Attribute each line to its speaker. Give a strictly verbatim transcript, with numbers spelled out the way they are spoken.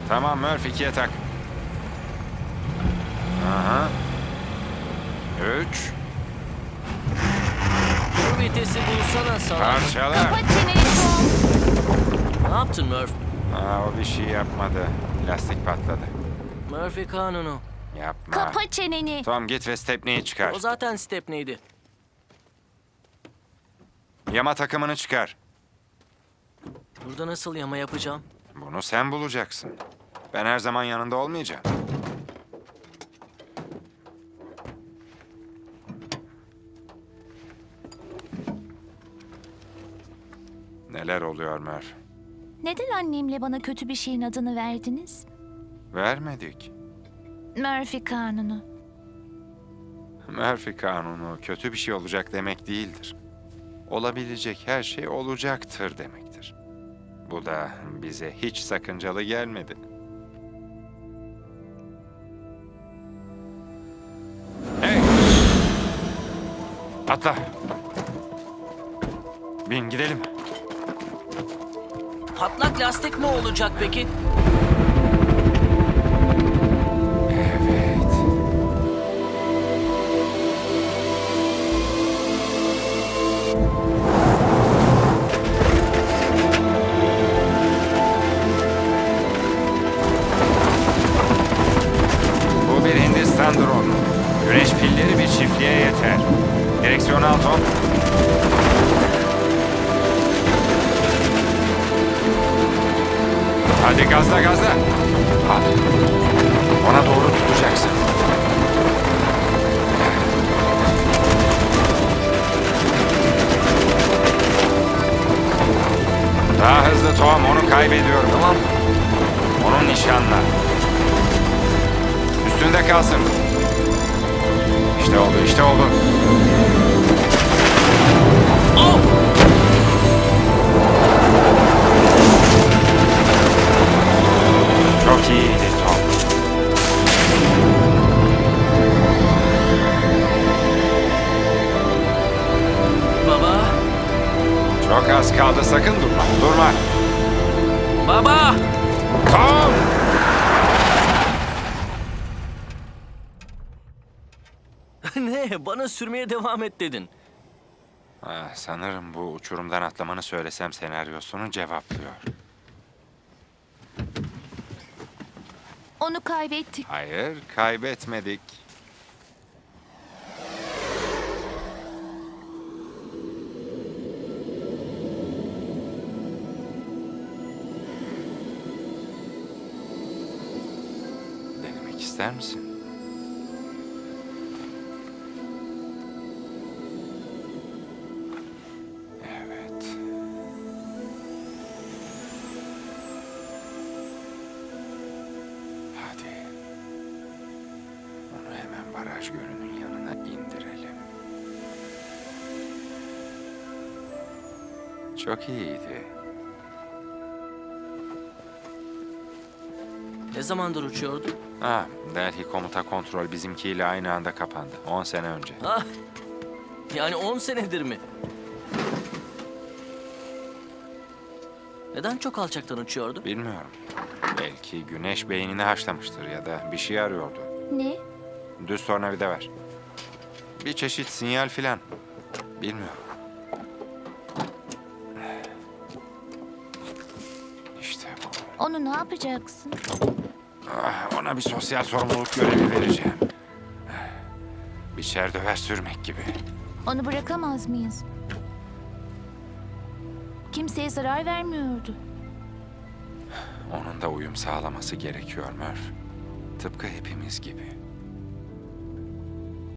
Speaker 1: Tamam Murphy, ikiye tak. Aha. Üç.
Speaker 2: Şu vitesi bulsana salak.
Speaker 1: Parçala.
Speaker 3: Kapat çeneni Tom.
Speaker 2: Ne yaptın Murph?
Speaker 1: Aa, o bir şey yapmadı. Lastik patladı.
Speaker 2: Murphy kanunu.
Speaker 1: Yapma.
Speaker 3: Kapa çeneni.
Speaker 1: Tom git ve Stepney'i çıkar.
Speaker 2: O zaten Stepney'di.
Speaker 1: Yama takımını çıkar.
Speaker 2: Burada nasıl yama yapacağım?
Speaker 1: Bunu sen bulacaksın. Ben her zaman yanında olmayacağım. Neler oluyor Murph?
Speaker 3: Neden annemle bana kötü bir şeyin adını verdiniz?
Speaker 1: Vermedik.
Speaker 3: Murphy kanunu.
Speaker 1: Murphy kanunu kötü bir şey olacak demek değildir. Olabilecek her şey olacaktır demektir. Bu da bize hiç sakıncalı gelmedi. Hey! Atla! Bin gidelim.
Speaker 2: Patlak lastik mi olacak peki?
Speaker 1: Evet. Bu bir Hindistan dronu. Güneş pilleri bir çiftliğe yeter. Direksiyonu al Tom. Hadi gazla gazla. Al. Ona doğru tutacaksın. Daha hızlı Tom, onu kaybediyorum.
Speaker 2: Tamam.
Speaker 1: Onun nişanla. Üstünde kalsın. İşte oldu, işte oldu.
Speaker 2: Oh!
Speaker 1: Çok iyiydi Tom.
Speaker 2: Baba!
Speaker 1: Çok az kaldı, sakın durma. Durma.
Speaker 2: Baba!
Speaker 1: Tom!
Speaker 2: Ne? Bana sürmeye devam et dedin.
Speaker 1: Ah, sanırım bu uçurumdan atlamanı söylesem senaryosunu cevaplıyor.
Speaker 3: Onu kaybettik.
Speaker 1: Hayır, kaybetmedik. Denemek ister misin? Evet. Hadi. Onu hemen baraj gölünün yanına indirelim. Çok iyiydi.
Speaker 2: Ne zamandır uçuyordu?
Speaker 1: Ha, Delhi komuta kontrol bizimkiyle aynı anda kapandı. On sene önce.
Speaker 2: Ah! Yani on senedir mi? Neden çok alçaktan uçuyordu?
Speaker 1: Bilmiyorum. Belki güneş beynini haşlamıştır ya da bir şey arıyordu.
Speaker 3: Ne?
Speaker 1: Düz tornavida ver. Bir çeşit sinyal filan. Bilmiyorum. İşte bu.
Speaker 3: Onu ne yapacaksın?
Speaker 1: Ah, ona bir sosyal sorumluluk görevi vereceğim. Biçer döver sürmek gibi.
Speaker 3: Onu bırakamaz mıyız? Kimseye zarar vermiyordu.
Speaker 1: Onun da uyum sağlaması gerekiyor Murph. Tıpkı hepimiz gibi.